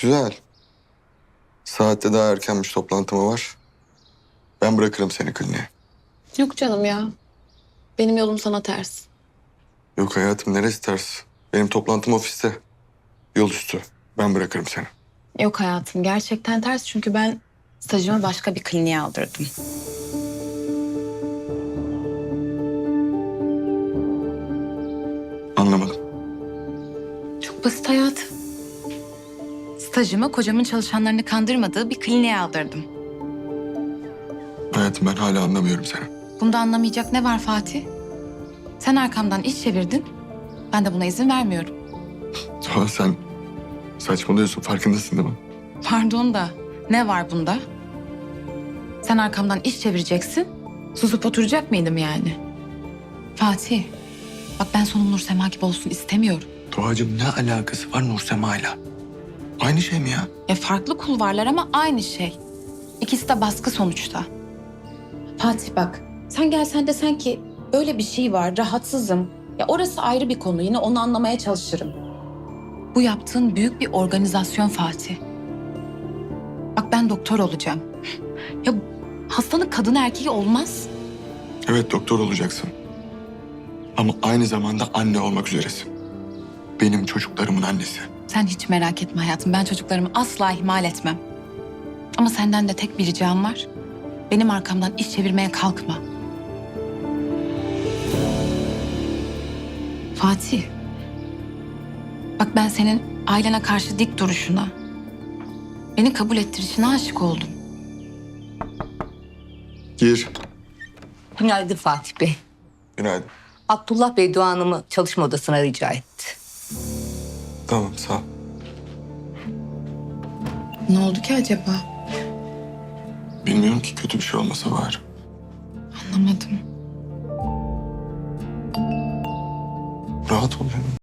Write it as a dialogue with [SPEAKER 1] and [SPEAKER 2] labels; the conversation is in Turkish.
[SPEAKER 1] Güzel. Saatte daha erkenmiş, toplantımı var. Ben bırakırım seni kliniğe.
[SPEAKER 2] Yok canım ya. Benim yolum sana ters.
[SPEAKER 1] Yok hayatım, neresi ters? Benim toplantım ofiste. Yol üstü. Ben bırakırım seni.
[SPEAKER 2] Yok hayatım, gerçekten ters çünkü ben stajımı başka bir kliniğe aldırdım.
[SPEAKER 1] Anlamadım.
[SPEAKER 2] Çok basit hayatım. Stajımı kocamın çalışanlarını kandırmadığı bir kliniğe aldırdım.
[SPEAKER 1] Hayatım, ben hala anlamıyorum seni.
[SPEAKER 2] Bunda anlamayacak ne var Fatih? Sen arkamdan iş çevirdin. Ben de buna izin vermiyorum.
[SPEAKER 1] Doğa, sen saçmalıyorsun, farkındasın değil mi?
[SPEAKER 2] Pardon da ne var bunda? Sen arkamdan iş çevireceksin. Susup oturacak mıydım yani? Fatih, bak ben sonum Nursema gibi olsun istemiyorum.
[SPEAKER 1] Doğacığım, ne alakası var Nursema'yla? Aynı şey mi ya?
[SPEAKER 2] Farklı kulvarlar ama aynı şey. İkisi de baskı sonuçta. Fatih bak, sen gelsen desen ki böyle bir şey var, rahatsızım. Ya orası ayrı bir konu, yine onu anlamaya çalışırım. Bu yaptığın büyük bir organizasyon Fatih. Bak ben doktor olacağım. Ya hastanın kadın erkeği olmaz.
[SPEAKER 1] Evet, doktor olacaksın. Ama aynı zamanda anne olmak üzeresin. Benim çocuklarımın annesi.
[SPEAKER 2] Sen hiç merak etme hayatım, ben çocuklarımı asla ihmal etmem. Ama senden de tek bir ricam var. Benim arkamdan iş çevirmeye kalkma. Fatih. Bak ben senin ailene karşı dik duruşuna, beni kabul ettirişine aşık oldum.
[SPEAKER 1] Gir.
[SPEAKER 3] Günaydın Fatih Bey.
[SPEAKER 1] Günaydın.
[SPEAKER 3] Abdullah Bey Doğan Hanım'ı çalışma odasına rica etti.
[SPEAKER 1] Tamam, sağ ol.
[SPEAKER 2] Ne oldu ki acaba?
[SPEAKER 1] Bilmiyorum ki, kötü bir şey olmasa var.
[SPEAKER 2] Anlamadım.
[SPEAKER 1] Rahat ol canım.